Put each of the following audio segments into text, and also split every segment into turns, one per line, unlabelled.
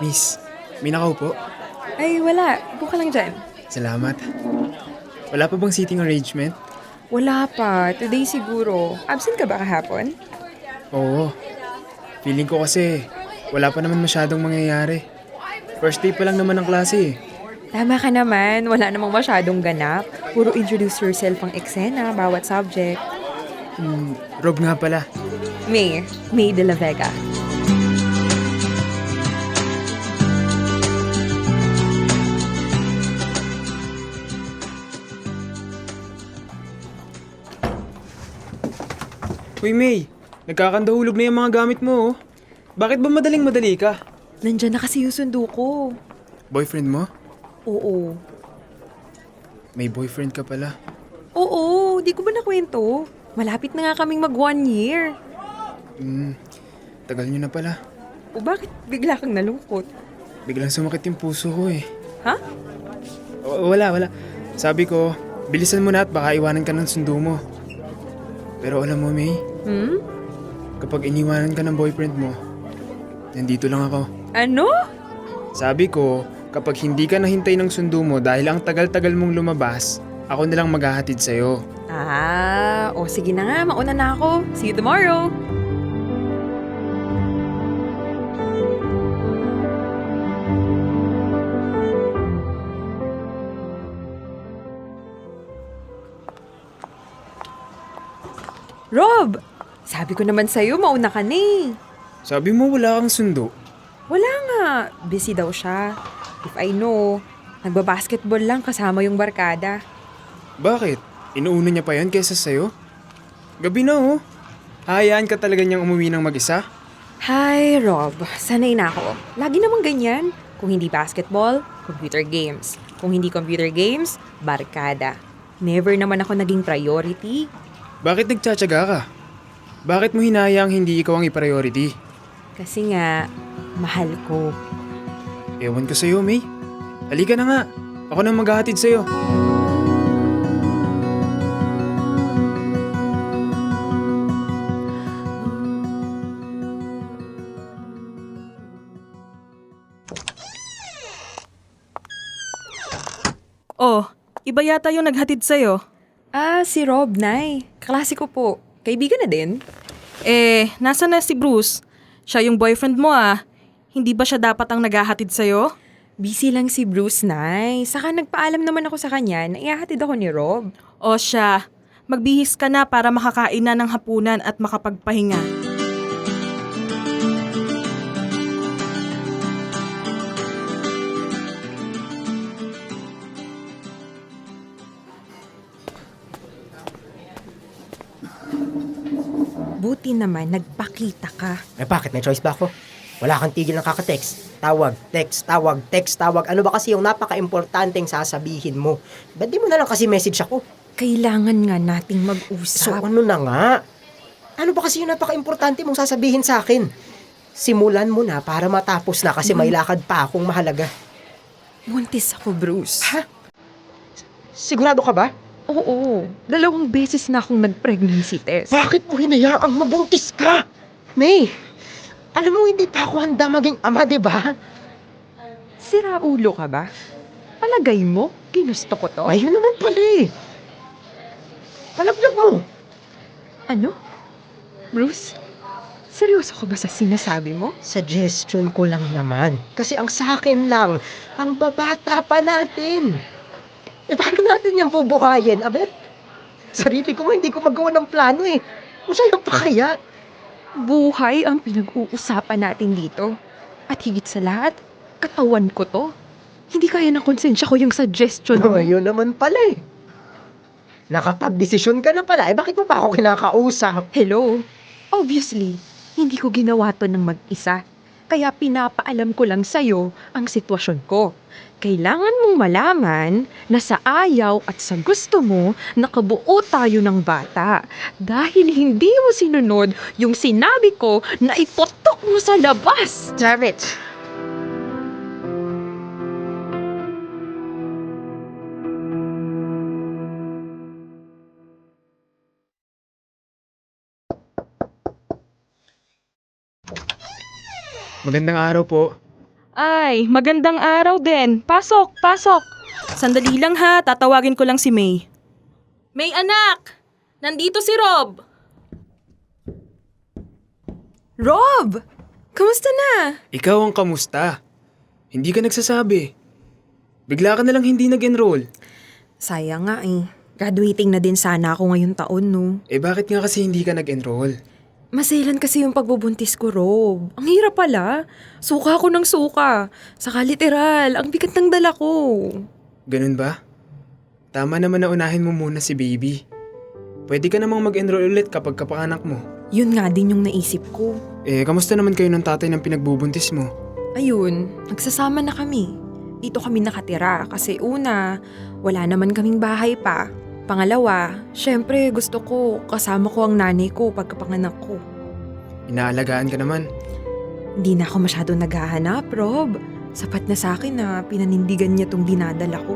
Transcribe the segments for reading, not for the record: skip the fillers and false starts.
Miss, may nakaupo?
Ay, wala. Upo ka lang dyan.
Salamat. Wala pa bang seating arrangement?
Wala pa. Today siguro. Absent ka ba kahapon?
Oo. Feeling ko kasi wala pa naman masyadong mangyayari. First day pa lang naman ng klase eh.
Tama ka naman. Wala namang masyadong ganap. Puro introduce yourself ang eksena, bawat subject.
Rob nga pala.
May de la Vega.
Uy May, nagkakandahulog na yung mga gamit mo oh. Bakit ba madaling-madali ka?
Nandyan na kasi yung sundo ko.
Boyfriend mo?
Oo.
May boyfriend ka pala.
Oo, di ko ba nakwento? Malapit na nga kaming mag 1 year.
Tagal nyo na pala.
O bakit bigla kang nalungkot?
Biglang sumakit yung puso ko eh.
Ha?
Wala. Sabi ko, bilisan mo na at baka iwanan ka ng sundo mo. Pero alam mo May, kapag iniwanan ka ng boyfriend mo, nandito lang ako.
Ano?
Sabi ko, kapag hindi ka nahintay ng sundo mo dahil ang tagal-tagal mong lumabas, ako na lang maghahatid sa'yo.
O sige na nga, mauna na ako. See you tomorrow. Rob! Sabi ko naman sa'yo, mauna ka na eh.
Sabi mo wala kang sundo.
Wala nga. Busy daw siya. If I know, nagbabasketball lang kasama yung barkada.
Bakit? Inuuna niya pa yan kaysa sa'yo? Gabi na oh. Hayaan ka talaga niyang umuwi ng mag-isa?
Hi, Rob. Sanay na ako. Lagi namang ganyan. Kung hindi basketball, computer games. Kung hindi computer games, barkada. Never naman ako naging priority.
Bakit nagtsatsaga ka? Bakit mo hinayang hindi ikaw ang i-priority?
Kasi nga, mahal ko.
Ewan ko sa'yo, May. Halika na nga. Ako nang maghahatid sa'yo.
Oh, iba yata yung naghatid sa'yo.
Si Rob, Nay. Kaklase ko po. Kaibigan na din.
Nasa na si Bruce? Siya yung boyfriend mo ah. Hindi ba siya dapat ang naghahatid sa'yo?
Busy lang si Bruce, Nay. Saka nagpaalam naman ako sa kanya na ihahatid ako ni Rob.
O siya, magbihis ka na para makakain na ng hapunan at makapagpahinga.
Buti naman, nagpakita ka.
Bakit? May choice ba ako? Wala kang tigil ng kaka-text. Tawag, text, tawag, text, tawag. Ano ba kasi yung napaka-importanteng sasabihin mo? Ba't di mo na lang kasi message ako?
Kailangan nga nating
So
mag-usap.
ano na nga? Ano ba kasi yung napaka-importante mong sasabihin sa akin? Simulan mo na para matapos na kasi may lakad pa akong mahalaga.
Buntis ako, Bruce.
Ha? Sigurado ka ba?
Oo. 2 beses na akong nag-pregnancy test.
Bakit mo hinayaang mabuntis ka? May, alam mo hindi pa ako handa maging ama, di ba?
Sira ulo ka ba? Palagay mo, ginusto ko to?
Ayun naman pala eh. Palaglag mo.
Ano? Bruce? Seryoso ko ba sa sinasabi mo?
Suggestion ko lang naman. Kasi ang sa akin lang, ang babata pa natin. Paano natin yung bubuhayin? Abet, sarili ko nga hindi ko magawa ng plano eh. Kung sa'yo pa kaya?
Buhay ang pinag-uusapan natin dito. At higit sa lahat, katawan ko to. Hindi kaya ng konsensya ko yung suggestion mo.
Ayun naman pala eh. Nakapag-desisyon ka na pala. Bakit mo pa ako kinakausap?
Hello? Obviously, hindi ko ginawa to ng mag-isa. Kaya pinapaalam ko lang sa'yo ang sitwasyon ko. Kailangan mong malaman na sa ayaw at sa gusto mo, nakabuo tayo ng bata. Dahil hindi mo sinunod yung sinabi ko na ipotok mo sa labas.
Damn it!
Magandang araw po.
Ay, magandang araw din. Pasok, pasok.
Sandali lang ha, tatawagin ko lang si May. May anak! Nandito si Rob!
Rob! Kamusta na?
Ikaw ang kamusta? Hindi ka nagsasabi. Bigla ka nalang hindi nag-enroll.
Sayang nga eh. Graduating na din sana ako ngayong taon, no?
Eh bakit nga kasi hindi ka nag-enroll?
Maselan kasi yung pagbubuntis ko, Rob. Ang hirap pala. Suka ako ng suka. Saka literal, ang bigat ng dala ko.
Ganun ba? Tama naman na unahin mo muna si baby. Pwede ka namang mag-enroll ulit kapag kapanganak mo.
Yun nga din yung naisip ko.
Eh, kamusta naman kayo ng tatay ng pinagbubuntis mo?
Ayun, nagsasama na kami. Dito kami nakatira kasi una, wala naman kaming bahay pa. Pangalawa, syempre gusto ko kasama ko ang nanay ko pagkapanganak ko.
Inaalagaan ka naman.
Hindi na ako masyado naghahanap, Rob. Sapat na sa akin na pinanindigan niya tong dinadala ko.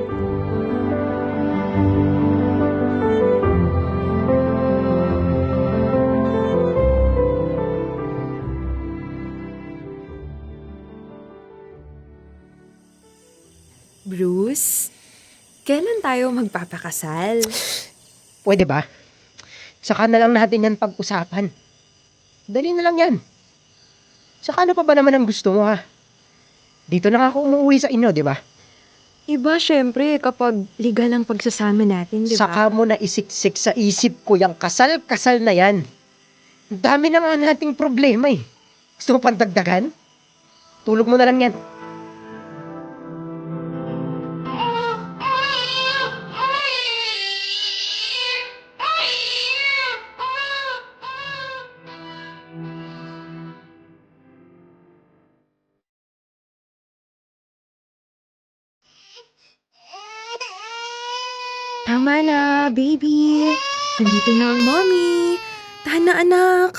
Bruce, kailan tayo magpapakasal?
Pwede ba? Saka na lang natin yan pag-usapan. Dali na lang yan. Saka ano pa ba naman ang gusto mo, ha? Dito na nga ako umuwi sa inyo, di ba?
Iba syempre kapag legal ang pagsasama natin, di ba?
Saka mo na isiksik sa isip ko yung kasal-kasal na yan. Ang dami na nga nating problema eh. Gusto mo pang dagdagan? Tulog mo na lang yan.
Tama na, baby. Nandito na ang mommy. Tahan na, anak.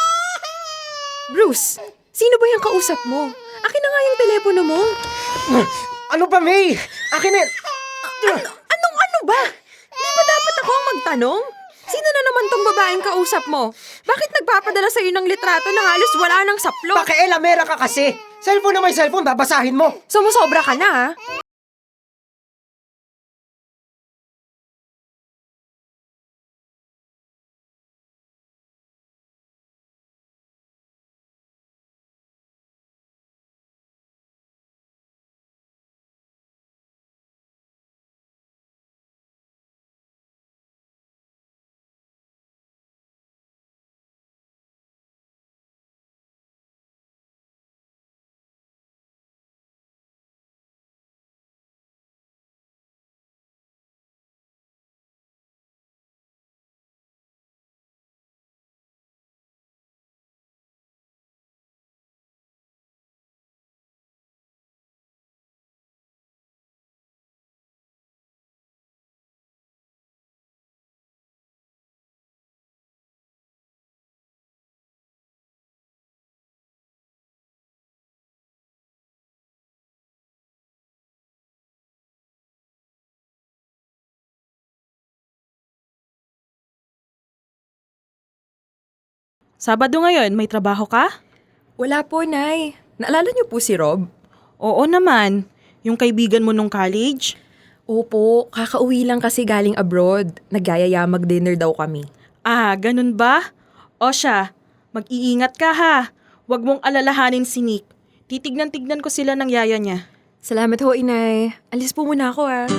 Bruce, sino ba yung kausap mo? Akin na nga yung telepono mo.
Ano ba, May? Akin na...
Anong ba? Di ba dapat ako ang magtanong? Sino na naman tong babaeng kausap mo? Bakit nagpapadala sa'yo ng litrato na halos wala nang saplo?
Pakialamera ka kasi. Cellphone na may cellphone, babasahin mo.
Sumusobra ka na, ha?
Sabado ngayon, may trabaho ka?
Wala po, Nay. Naalala niyo po si Rob?
Oo naman. Yung kaibigan mo nung college?
Opo, kakauwi lang kasi galing abroad. Nagyayaya mag-dinner daw kami.
Ah, ganun ba? O siya, mag-iingat ka ha. Huwag mong alalahanin si Nick. Titignan-tignan ko sila ng yaya niya.
Salamat ho, Inay. Alis po muna ako, ah.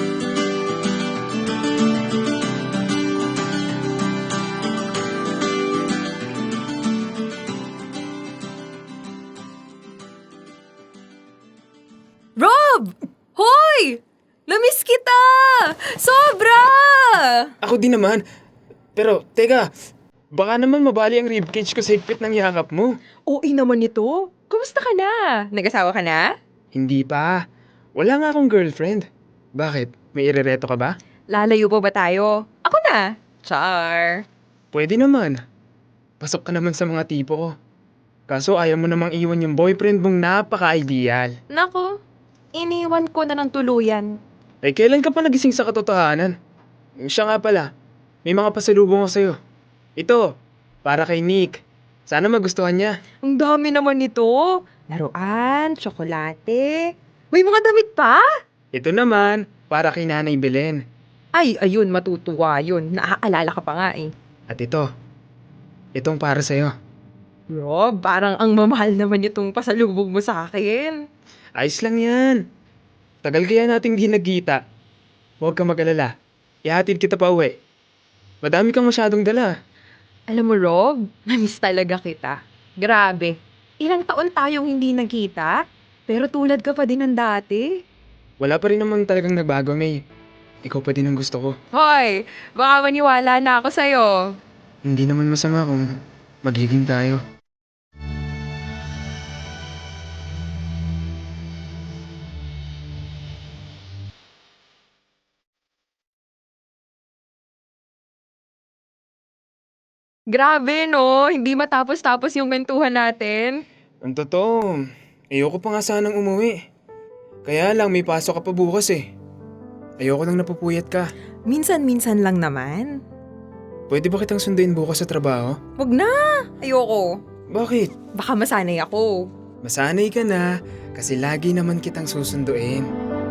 Rob! Hoy! Namiss kita! Sobra!
Ako din naman. Pero, teka, baka naman mabali ang ribcage ko sa higpit ng yakap mo.
OA naman ito. Kumusta ka na? Nag-asawa ka na?
Hindi pa. Wala nga akong girlfriend. Bakit? May irereto ka ba?
Lalayo pa ba tayo? Ako na. Char.
Pwede naman. Pasok ka naman sa mga tipo ko. Kaso ayaw mo namang iwan yung boyfriend mong napaka-ideal.
Nako, iniwan ko na ng tuluyan.
Eh, kailan ka pa nagising sa katotohanan? Siya nga pala, may mga pasalubong ko sa'yo. Ito, para kay Nick. Sana magustuhan niya.
Ang dami naman nito. Laruan, tsokolate. May mga damit pa?
Ito naman, para kay Nanay Belen.
Ay, ayun, matutuwa yun. Naaalala ka pa nga eh.
At ito, itong para sa'yo.
Rob, parang ang mamahal naman itong pasalubong mo sa akin.
Ayos lang yan. Tagal kaya nating di nagkita. Huwag kang mag-alala. Ihatid kita pa uwi. Madami kang masyadong dala.
Alam mo, Rob, namiss talaga kita. Grabe. Ilang taon tayong hindi nagkita, pero tulad ka pa din ng dati.
Wala pa rin naman talagang nagbago, May. Ikaw pa din ang gusto ko.
Hoy, baka maniwala na ako sa'yo.
Hindi naman masama kung magiging tayo.
Grabe, no? Hindi matapos-tapos yung mentuhan natin.
Ang totoo, ayoko pa nga sanang umuwi. Kaya lang may pasok ka pa bukas eh. Ayoko lang napupuyat ka.
Minsan-minsan lang naman.
Pwede ba kitang sunduin bukas sa trabaho?
Wag na! Ayoko.
Bakit?
Baka masanay ako.
Masanay ka na kasi lagi naman kitang susunduin.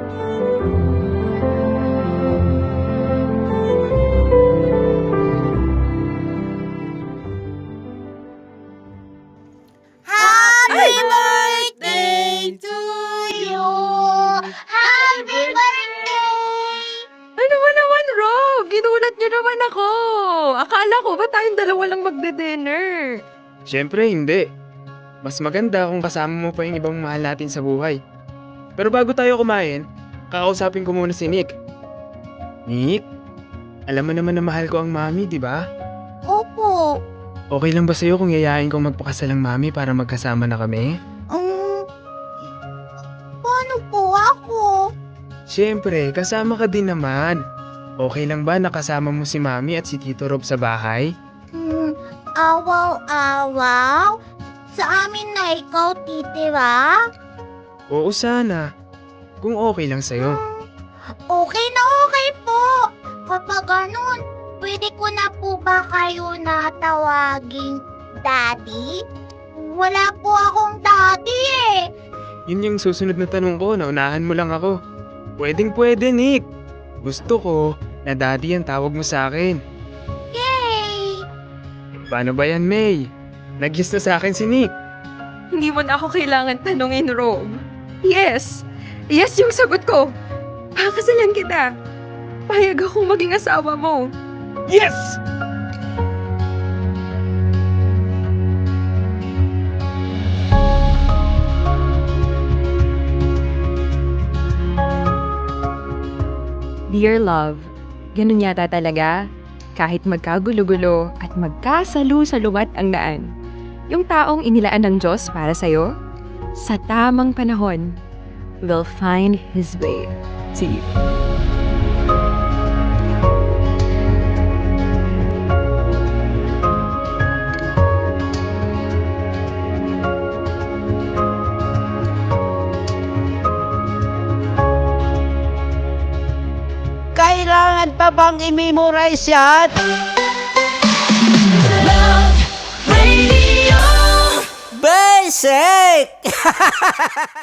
Happy birthday to you! Happy birthday!
Ano ba naman, Rob? Ginulat niyo naman ako. Akala ko ba tayong dalawa lang magde-dinner?
Siyempre hindi. Mas maganda kung kasama mo pa yung ibang mahal natin sa buhay. Pero bago tayo kumain, kakausapin ko muna si Nick. Nick, alam mo naman na mahal ko ang mami, di ba?
Opo.
Okay lang ba sa'yo kung yayain kong magpakasal ang mami para magkasama na kami?
Paano po ako?
Siyempre, kasama ka din naman. Okay lang ba nakasama mo si mami at si Tito Rob sa bahay?
Awaw-awaw? Sa amin na ikaw titira?
Oo sana. Kung okay lang sa'yo.
Okay na okay po. Kapag ganun, pwede ko na po ba kayo natawaging daddy? Wala po akong daddy eh.
Yun yung susunod na tanong ko, naunahan mo lang ako. Pwedeng pwede, Nick. Gusto ko na daddy ang tawag mo sa akin.
Yay!
Paano ba yan, May? Nag-yes na sa akin si Nick.
Hindi mo na ako kailangan tanungin, Rob. Yes. Yes yung sagot ko. Pakasalan kita. Payag akong maging asawa mo.
Yes!
Dear love, ganun yata talaga. Kahit magkagulo-gulo at magkasalu-saluwat ang daan. Yung taong inilaan ng Diyos para sa'yo, sa tamang panahon, will find His way to you.
Kailangan pa bang i-memorize yan? Basic!